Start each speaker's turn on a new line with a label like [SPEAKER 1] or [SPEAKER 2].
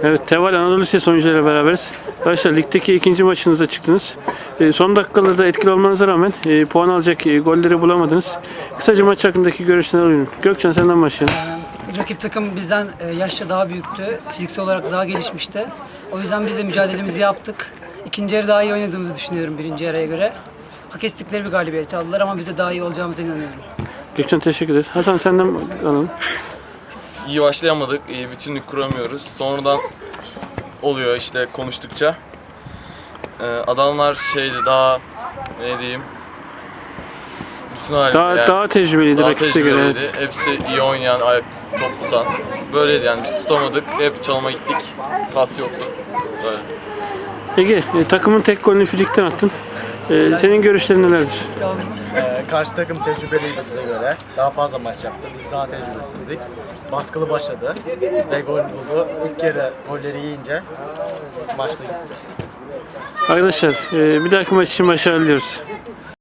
[SPEAKER 1] Evet, Teval Anadolu Lisesi oyuncularıyla beraberiz. Arkadaşlar ligdeki ikinci maçınıza çıktınız. Son dakikalarda etkili olmanıza rağmen puan alacak golleri bulamadınız. Kısaca maç hakkındaki görüşlerini alayım. Gökçen, senden başlayalım.
[SPEAKER 2] Rakip takım bizden yaşça daha büyüktü. Fiziksel olarak daha gelişmişti. O yüzden biz de mücadelemizi yaptık. İkinci yarı daha iyi oynadığımızı düşünüyorum birinci yarıya göre. Hak ettikleri bir galibiyeti aldılar ama biz de daha iyi olacağımıza inanıyorum.
[SPEAKER 1] Gökçen, teşekkür ederiz. Hasan, senden alalım.
[SPEAKER 3] İyi başlayamadık, iyi bütünlük kuramıyoruz. Sonradan oluyor işte konuştukça. Adamlar daha ne diyeyim, bütün
[SPEAKER 1] Daha tecrübeliydi rakipse göre. Evet.
[SPEAKER 3] Hepsi iyi oynayan, ayak top tutan. Böyleydi yani, biz tutamadık, hep çalıma gittik, pas yoktu. Böyle.
[SPEAKER 1] Ege, takımın tek golünü Filik'ten attın. Senin görüşlerin nelerdir?
[SPEAKER 4] Karşı takım tecrübeliydi bize göre. Daha fazla maç yaptı. Biz daha tecrübesizdik. Baskılı başladı ve gol buldu. İlk yarı golleri yiyince maçta gitti.
[SPEAKER 1] Arkadaşlar, bir dahaki maç için başarılı diliyoruz.